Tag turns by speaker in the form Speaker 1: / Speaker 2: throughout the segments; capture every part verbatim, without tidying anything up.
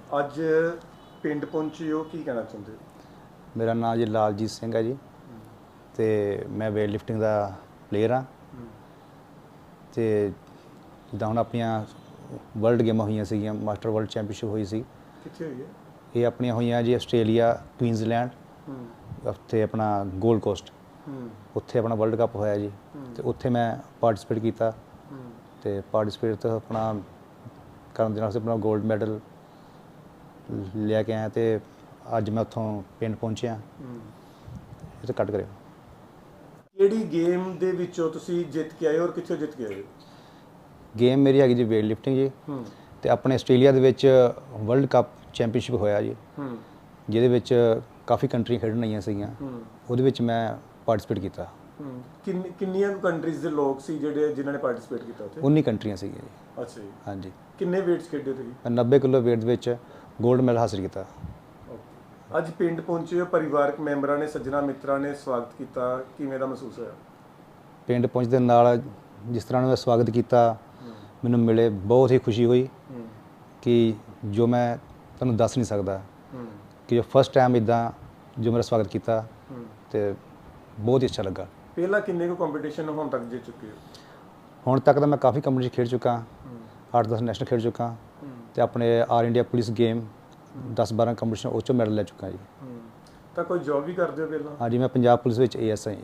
Speaker 1: ਅੱਜ ਪਿੰਡ ਪਹੁੰਚੇ ਹੋ, ਕੀ ਕਹਿਣਾ ਚਾਹੁੰਦੇ ਹੋ?
Speaker 2: ਮੇਰਾ ਨਾਮ ਜੀ ਲਾਲਜੀਤ ਸਿੰਘ ਹੈ ਜੀ ਤੇ ਮੈਂ ਵੇਟ ਲਿਫਟਿੰਗ ਦਾ ਪਲੇਅਰ ਹਾਂ ਤੇ ਜਿੱਦਾਂ ਹੁਣ ਆਪਣੀਆਂ ਵਰਲਡ ਗੇਮਾਂ ਹੋਈਆਂ ਸੀਗੀਆਂ, ਮਾਸਟਰ ਵਰਲਡ ਚੈਂਪੀਅਨਸ਼ਿਪ ਹੋਈ ਸੀ।
Speaker 1: ਕਿੱਥੇ ਹੋਈ ਹੈ
Speaker 2: ਇਹ ਆਪਣੀਆਂ ਹੋਈਆਂ ਜੀ ਆਸਟ੍ਰੇਲੀਆ, ਕੁਈਨਜ਼ਲੈਂਡ, ਉੱਥੇ ਆਪਣਾ ਗੋਲਡ ਕੋਸਟ, ਉੱਥੇ ਆਪਣਾ ਵਰਲਡ ਕੱਪ ਹੋਇਆ ਜੀ ਤੇ ਉੱਥੇ ਮੈਂ ਪਾਰਟਿਸਿਪੇਟ ਕੀਤਾ ਤੇ ਪਾਰਟਿਸਿਪੇਟ ਤੋਂ ਆਪਣਾ ਕਰਨ ਦੇ ਨਾਲ ਅਸੀਂ ਆਪਣਾ ਗੋਲਡ ਮੈਡਲ ਲੈ ਕੇ ਆਇਆ ਤੇ ਅੱਜ ਮੈਂ ਉੱਥੋਂ ਪਿੰਡ ਪਹੁੰਚਿਆ। ਇਹ ਤਾਂ ਕੱਟ ਕਰਿਓ।
Speaker 1: ਕਿਹੜੀ ਗੇਮ ਦੇ ਵਿੱਚੋਂ ਤੁਸੀਂ ਜਿੱਤ ਕੇ ਆਏ ਹੋ ਔਰ ਕਿੱਥੋਂ ਜਿੱਤ ਕੇ ਆਏ ਹੋ?
Speaker 2: ਗੇਮ ਮੇਰੀ ਹੈਗੀ ਜੀ ਵੇਟ ਲਿਫਟਿੰਗ ਜੀ ਤੇ ਆਪਣੇ ਆਸਟ੍ਰੇਲੀਆ ਦੇ ਵਿੱਚ ਵਰਲਡ ਕੱਪ ਚੈਂਪੀਅਨਸ਼ਿਪ ਹੋਇਆ ਜੀ, ਜਿਹਦੇ ਵਿੱਚ ਕਾਫੀ ਕੰਟਰੀਆਂ ਖੇਡਣ ਆਈਆਂ ਸੀਗੀਆਂ। ਉਹਦੇ ਵਿੱਚ ਮੈਂ ਪਾਰਟਿਸਿਪੇਟ ਕੀਤਾ।
Speaker 1: ਕਿੰਨੀ ਕਿੰਨੀਆਂ ਕੰਟਰੀਜ਼ ਦੇ ਲੋਕ ਸੀ ਜਿਹੜੇ ਜਿਨ੍ਹਾਂ ਨੇ ਪਾਰਟਿਸਿਪੇਟ ਕੀਤਾ ਉੱਥੇ?
Speaker 2: ਉੱਨੀ ਕੰਟਰੀਆਂ ਸੀਗੀਆਂ ਜੀ।
Speaker 1: ਅੱਛਾ ਜੀ।
Speaker 2: ਹਾਂਜੀ।
Speaker 1: ਕਿੰਨੇ ਵੇਟਸ ਖੇਡੇ ਤੁਸੀਂ?
Speaker 2: ਮੈਂ ਨੱਬੇ ਕਿਲੋ ਵੇਟ ਦੇ ਵਿੱਚ ਗੋਲਡ ਮੈਡਲ ਹਾਸਿਲ ਕੀਤਾ।
Speaker 1: ਅੱਜ ਪਿੰਡ ਪਹੁੰਚੇ ਹੋ, ਪਰਿਵਾਰਕ ਮੈਂਬਰਾਂ ਨੇ, ਸੱਜਣਾ ਮਿੱਤਰਾਂ ਨੇ ਸਵਾਗਤ ਕੀਤਾ, ਕਿਵੇਂ ਦਾ ਮਹਿਸੂਸ ਹੋਇਆ?
Speaker 2: ਪਿੰਡ ਪਹੁੰਚਦੇ ਨਾਲ ਜਿਸ ਤਰ੍ਹਾਂ ਉਹਨਾਂ ਦਾ ਸਵਾਗਤ ਕੀਤਾ ਮੈਨੂੰ ਮਿਲੇ, ਬਹੁਤ ਹੀ ਖੁਸ਼ੀ ਹੋਈ ਕਿ ਜੋ ਮੈਂ ਤੁਹਾਨੂੰ ਦੱਸ ਨਹੀਂ ਸਕਦਾ ਕਿ ਜੋ ਫਸਟ ਟਾਈਮ ਇੱਦਾਂ ਜੋ ਮੇਰਾ ਸਵਾਗਤ ਕੀਤਾ ਤੇ ਬਹੁਤ ਹੀ ਅੱਛਾ ਲੱਗਾ।
Speaker 1: ਪਹਿਲਾਂ ਕਿੰਨੇ ਕੁ ਕੰਪੀਟੀਸ਼ਨ ਹੁਣ ਤੱਕ ਜਿੱਤ ਚੁੱਕੇ ਹੋ?
Speaker 2: ਹੁਣ ਤੱਕ ਤਾਂ ਮੈਂ ਕਾਫੀ ਕੰਪੀਟੀਸ਼ਨ ਖੇਡ ਚੁੱਕਾ, ਅੱਠ ਦਸ ਨੈਸ਼ਨਲ ਖੇਡ ਚੁੱਕਾ ਤੇ ਆਪਣੇ ਆਲ ਇੰਡੀਆ ਪੁਲਿਸ ਗੇਮ ਦਸ ਬਾਰਾਂ ਕੰਪੀਟੀਸ਼ਨ ਉਹ 'ਚੋਂ ਮੈਡਲ ਲੈ ਚੁੱਕਾ ਜੀ।
Speaker 1: ਤਾਂ ਕੋਈ ਜੋਬ ਵੀ ਕਰਦੇ ਹੋ ਪਹਿਲਾਂ?
Speaker 2: ਹਾਂਜੀ, ਮੈਂ ਪੰਜਾਬ ਪੁਲਿਸ ਵਿੱਚ ਏ ਐਸ ਆਈ।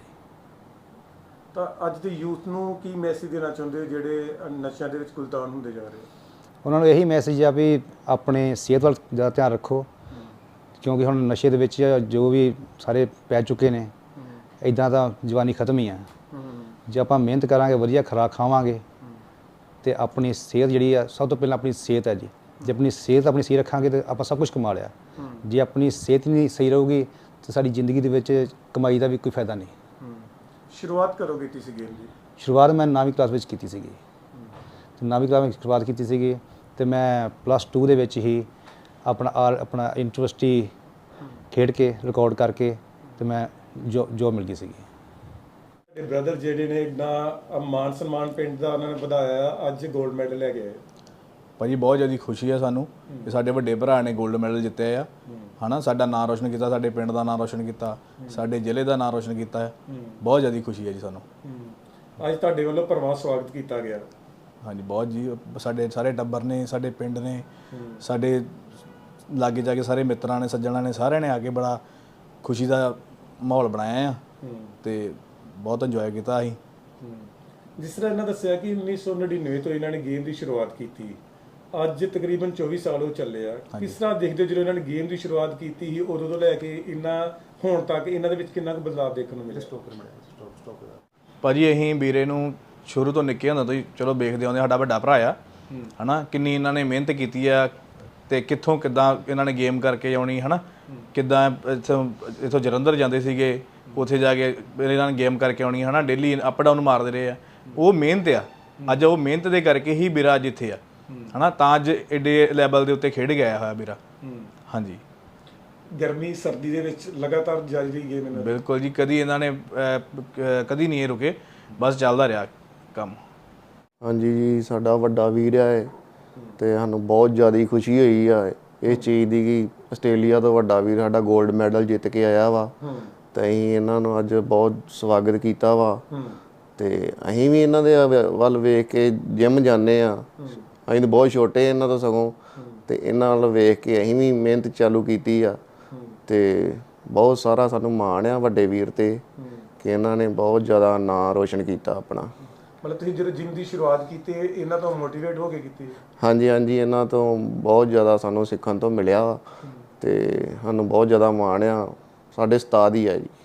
Speaker 1: ਤਾਂ ਅੱਜ ਦੇ ਯੂਥ ਨੂੰ ਕੀ ਮੈਸੇਜ ਦੇਣਾ ਚਾਹੁੰਦੇ ਹੋ ਜਿਹੜੇ ਨਸ਼ਿਆਂ ਦੇ ਵਿੱਚ ਗੁਲਤਾਨ ਹੁੰਦੇ ਜਾ ਰਹੇ?
Speaker 2: ਉਹਨਾਂ ਨੂੰ ਇਹੀ ਮੈਸੇਜ ਆ ਵੀ ਆਪਣੇ ਸਿਹਤ ਵੱਲ ਜ਼ਿਆਦਾ ਧਿਆਨ ਰੱਖੋ, ਕਿਉਂਕਿ ਹੁਣ ਨਸ਼ੇ ਦੇ ਵਿੱਚ ਜੋ ਵੀ ਸਾਰੇ ਪੈ ਚੁੱਕੇ ਨੇ, ਇੱਦਾਂ ਤਾਂ ਜਵਾਨੀ ਖਤਮ ਹੀ ਆ। ਜੇ ਆਪਾਂ ਮਿਹਨਤ ਕਰਾਂਗੇ, ਵਧੀਆ ਖੁਰਾਕ ਖਾਵਾਂਗੇ ਤੇ ਆਪਣੀ ਸਿਹਤ ਜਿਹੜੀ ਆ, ਸਭ ਤੋਂ ਪਹਿਲਾਂ ਆਪਣੀ ਸਿਹਤ ਹੈ ਜੀ। ਜੇ ਆਪਣੀ ਸਿਹਤ ਆਪਣੀ ਸਹੀ ਰੱਖਾਂਗੇ ਤਾਂ ਆਪਾਂ ਸਭ ਕੁਝ ਕਮਾ ਲਿਆ। ਜੇ ਆਪਣੀ ਸਿਹਤ ਨਹੀਂ ਸਹੀ ਰਹੂਗੀ ਤਾਂ ਸਾਡੀ ਜ਼ਿੰਦਗੀ ਦੇ ਵਿੱਚ ਕਮਾਈ ਦਾ ਵੀ ਕੋਈ ਫਾਇਦਾ ਨਹੀਂ।
Speaker 1: ਸ਼ੁਰੂਆਤ ਕਰੋ ਕੀਤੀ ਸੀ ਗੇਮ ਦੀ?
Speaker 2: ਸ਼ੁਰੂਆਤ ਮੈਂ ਨੌਵੀਂ ਕਲਾਸ ਵਿੱਚ ਕੀਤੀ ਸੀਗੀ ਤੇ ਨੌਵੀਂ ਕਲਾਸ ਵਿੱਚ ਸ਼ੁਰੂਆਤ ਕੀਤੀ ਸੀਗੀ ਤੇ ਮੈਂ ਪਲੱਸ ਟੂ ਦੇ ਵਿੱਚ ਹੀ ਆਪਣਾ ਆਲ ਆਪਣਾ ਯੂਨੀਵਰਸਿਟੀ ਖੇਡ ਕੇ ਰਿਕਾਰਡ ਕਰਕੇ ਤੇ ਮੈਂ ਜੋ ਜੋਬ ਮਿਲ ਗਈ ਸੀਗੀ।
Speaker 1: ਤੁਹਾਡੇ ਬ੍ਰਦਰ ਜਿਹੜੇ ਨੇ ਇੰਨਾ ਮਾਨ ਸਨਮਾਨ ਪਿੰਡ ਦਾ ਉਹਨਾਂ ਨੇ ਵਧਾਇਆ, ਅੱਜ ਗੋਲਡ ਮੈਡਲ ਲੈ ਕੇ ਆਏ।
Speaker 3: ਭਾਜੀ ਬਹੁਤ ਜ਼ਿਆਦਾ ਖੁਸ਼ੀ ਆ ਸਾਨੂੰ ਕਿ ਸਾਡੇ ਵੱਡੇ ਭਰਾ ਨੇ ਗੋਲਡ ਮੈਡਲ ਜਿੱਤਿਆ ਆ, ਹਨਾ। ਸਾਡਾ ਨਾਂ ਰੋਸ਼ਨ ਕੀਤਾ, ਸਾਡੇ ਪਿੰਡ ਦਾ ਨਾਂ ਰੋਸ਼ਨ ਕੀਤਾ, ਸਾਡੇ ਜ਼ਿਲ੍ਹੇ ਦਾ ਨਾਂ ਰੋਸ਼ਨ ਕੀਤਾ। ਬਹੁਤ ਜ਼ਿਆਦਾ ਖੁਸ਼ੀ ਹੈ ਜੀ ਸਾਨੂੰ।
Speaker 1: ਅੱਜ ਤੁਹਾਡੇ ਵੱਲੋਂ ਭਰਵਾਂ ਸਵਾਗਤ ਕੀਤਾ ਗਿਆ।
Speaker 3: ਹਾਂਜੀ, ਬਹੁਤ ਜੀ। ਸਾਡੇ ਸਾਰੇ ਟੱਬਰ ਨੇ, ਸਾਡੇ ਪਿੰਡ ਨੇ, ਸਾਡੇ ਲਾਗੇ ਜਾ ਕੇ ਸਾਰੇ ਮਿੱਤਰਾਂ ਨੇ, ਸੱਜਣਾਂ ਨੇ, ਸਾਰਿਆਂ ਨੇ ਆ ਕੇ ਬੜਾ ਖੁਸ਼ੀ ਦਾ ਮਾਹੌਲ ਬਣਾਇਆ ਆ ਤੇ ਬਹੁਤ ਇੰਜੋਏ ਕੀਤਾ ਅਸੀਂ।
Speaker 1: ਜਿਸ ਤਰ੍ਹਾਂ ਇਹਨਾਂ ਦੱਸਿਆ ਕਿ ਉੱਨੀ ਸੌ ਨੜਿਨਵੇਂ ਤੋਂ ਇਹਨਾਂ ਨੇ ਗੇਮ ਦੀ ਸ਼ੁਰੂਆਤ ਕੀਤੀ, ਅੱਜ ਤਕਰੀਬਨ ਚੌਵੀ ਸਾਲ ਹੋ ਚੱਲੇ ਆ। ਕਿਸ ਤਰ੍ਹਾਂ ਦੇਖਦੇ ਹੋ ਜਦੋਂ ਇਹਨਾਂ ਨੇ ਗੇਮ ਦੀ ਸ਼ੁਰੂਆਤ ਕੀਤੀ ਸੀ ਉਦੋਂ ਤੋਂ ਲੈ ਕੇ ਇੰਨਾ ਹੁਣ ਤੱਕ ਇਹਨਾਂ ਦੇ ਵਿੱਚ ਕਿੰਨਾ ਕੁ ਬਦਲਾਅ ਦੇਖਣ ਨੂੰ ਮਿਲਿਆ?
Speaker 3: ਭਾਜੀ ਅਸੀਂ ਵੀਰੇ ਨੂੰ ਸ਼ੁਰੂ ਤੋਂ ਨਿੱਕੇ ਹੁੰਦਾ ਤੋਂ ਹੀ ਚਲੋ ਵੇਖਦੇ ਆਉਂਦੇ, ਸਾਡਾ ਵੱਡਾ ਭਰਾ ਆ, ਹਨਾ। ਕਿੰਨੀ ਇਹਨਾਂ ਨੇ ਮਿਹਨਤ ਕੀਤੀ ਆ ਤੇ ਕਿੱਥੋਂ ਕਿੱਦਾਂ ਇਹਨਾਂ ਨੇ ਗੇਮ ਕਰਕੇ ਆਉਣੀ, ਹਨਾ। ਕਿੱਦਾਂ ਇੱਥੋਂ ਇੱਥੋਂ ਜਲੰਧਰ ਜਾਂਦੇ ਸੀਗੇ, ਉੱਥੇ ਜਾ ਕੇ ਇਹਨਾਂ ਨੇ ਗੇਮ ਕਰਕੇ ਆਉਣੀ, ਹਨਾ। ਡੇਲੀ ਅਪ ਡਾਊਨ ਮਾਰਦੇ ਰਹੇ ਆ। ਉਹ ਮਿਹਨਤ ਆ। ਅੱਜ ਉਹ ਮਿਹਨਤ ਦੇ ਕਰਕੇ ਹੀ ਵੀਰਾ ਅੱਜ ਇੱਥੇ ਆ, ਹਨਾ। ਤਾਂ ਅੱਜ ਏਡੇ ਲੈਵਲ ਦੇ ਉੱਤੇ ਖੇਡ ਗਿਆ ਹੋਇਆ ਵੀਰਾ। ਹਾਂਜੀ।
Speaker 1: ਗਰਮੀ ਸਰਦੀ ਦੇ ਵਿੱਚ ਲਗਾਤਾਰ ਜਾਰੀ ਰਹੀ ਗੇਮ ਇਹਨਾਂ ਦੀ?
Speaker 3: ਬਿਲਕੁਲ ਜੀ। ਕਦੀ ਇਹਨਾਂ ਨੇ ਕਦੀ ਨਹੀਂ ਇਹ ਰੁਕੇ, ਬਸ ਚੱਲਦਾ ਰਿਹਾ ਕੰਮ।
Speaker 4: ਹਾਂਜੀ ਜੀ, ਸਾਡਾ ਵੱਡਾ ਵੀਰ ਹੈ ਤੇ ਸਾਨੂੰ ਬਹੁਤ ਜ਼ਿਆਦਾ ਖੁਸ਼ੀ ਹੋਈ ਆ ਇਸ ਚੀਜ਼ ਦੀ ਕਿ ਆਸਟ੍ਰੇਲੀਆ ਤੋਂ ਵੱਡਾ ਵੀਰ ਸਾਡਾ ਗੋਲਡ ਮੈਡਲ ਜਿੱਤ ਕੇ ਆਇਆ ਵਾ ਤੇ ਅਸੀਂ ਇਹਨਾਂ ਨੂੰ ਅੱਜ ਬਹੁਤ ਸਵਾਗਤ ਕੀਤਾ ਵਾ। ਤੇ ਅਸੀਂ ਵੀ ਇਹਨਾਂ ਦੇ ਵੱਲ ਵੇਖ ਕੇ ਜਿਮ ਜਾਂਦੇ ਆ। ਅਸੀਂ ਤਾਂ ਬਹੁਤ ਛੋਟੇ ਇਹਨਾਂ ਤੋਂ ਸਗੋਂ, ਤੇ ਇਹਨਾਂ ਵੱਲ ਵੇਖ ਕੇ ਅਸੀਂ ਵੀ ਮਿਹਨਤ ਚਾਲੂ ਕੀਤੀ ਆ ਤੇ ਬਹੁਤ ਸਾਰਾ ਸਾਨੂੰ ਮਾਣ ਆ ਵੱਡੇ ਵੀਰ ਤੇ ਕਿ ਇਹਨਾਂ ਨੇ ਬਹੁਤ ਜ਼ਿਆਦਾ ਨਾਂ ਰੋਸ਼ਨ ਕੀਤਾ ਆਪਣਾ।
Speaker 1: ਮਤਲਬ ਤੁਸੀਂ ਜਦੋਂ ਜਿਮ ਦੀ ਸ਼ੁਰੂਆਤ ਕੀਤੀ ਇਹਨਾਂ ਤੋਂ ਮੋਟੀਵੇਟ ਹੋ ਕੇ ਕੀਤੀ?
Speaker 4: ਹਾਂਜੀ ਹਾਂਜੀ, ਇਹਨਾਂ ਤੋਂ ਬਹੁਤ ਜ਼ਿਆਦਾ ਸਾਨੂੰ ਸਿੱਖਣ ਤੋਂ ਮਿਲਿਆ ਤੇ ਸਾਨੂੰ ਬਹੁਤ ਜ਼ਿਆਦਾ ਮਾਣ ਆ। ਸਾਡੇ ਉਸਤਾਦ ਹੀ ਆ ਜੀ।